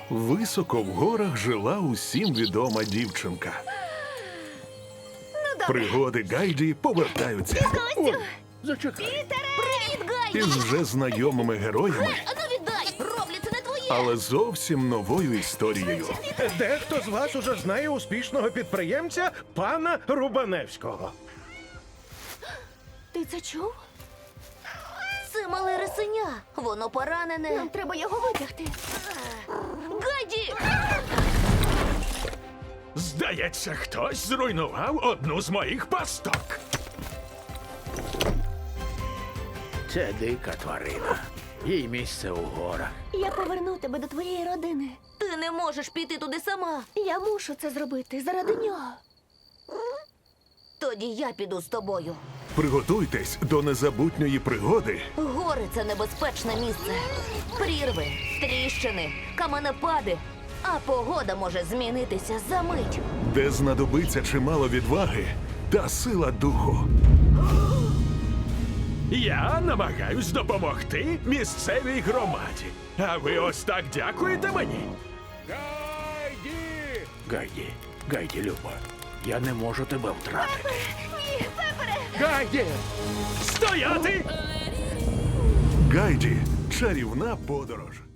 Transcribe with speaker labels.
Speaker 1: Високо в горах жила усім відома дівчинка. Пригоди Гайді повертаються
Speaker 2: Костю!
Speaker 3: Зачекай.
Speaker 2: Привіт, Гайді!
Speaker 1: із вже знайомими героями,
Speaker 2: Ану віддай! Роблю, це не твоє!
Speaker 1: але зовсім новою історією.
Speaker 3: Дехто з вас уже знає успішного підприємця пана Рубаневського.
Speaker 2: Ти це чув? Це мале рисеня. Воно поранене. Нам треба його витягти. Гайді!
Speaker 4: Здається, хтось зруйнував одну з моїх пасток.
Speaker 5: Це дика тварина. Їй місце у горах.
Speaker 2: Я поверну тебе до твоєї родини. Ти не можеш піти туди сама. Я мушу це зробити заради нього. Тоді я піду з тобою.
Speaker 1: Приготуйтесь до незабутньої пригоди,
Speaker 2: Гори – це небезпечне місце. Прірви, тріщини, каменепади. А погода може змінитися за мить.
Speaker 1: де знадобиться чимало відваги та сила духу.
Speaker 4: Я намагаюсь допомогти місцевій громаді. А ви ось так дякуєте мені?
Speaker 5: Гайді, Люба, я не можу тебе втратити.
Speaker 2: Ні, Пепере!
Speaker 4: Гайді! Стояти!
Speaker 1: Гайді – чарівна подорож.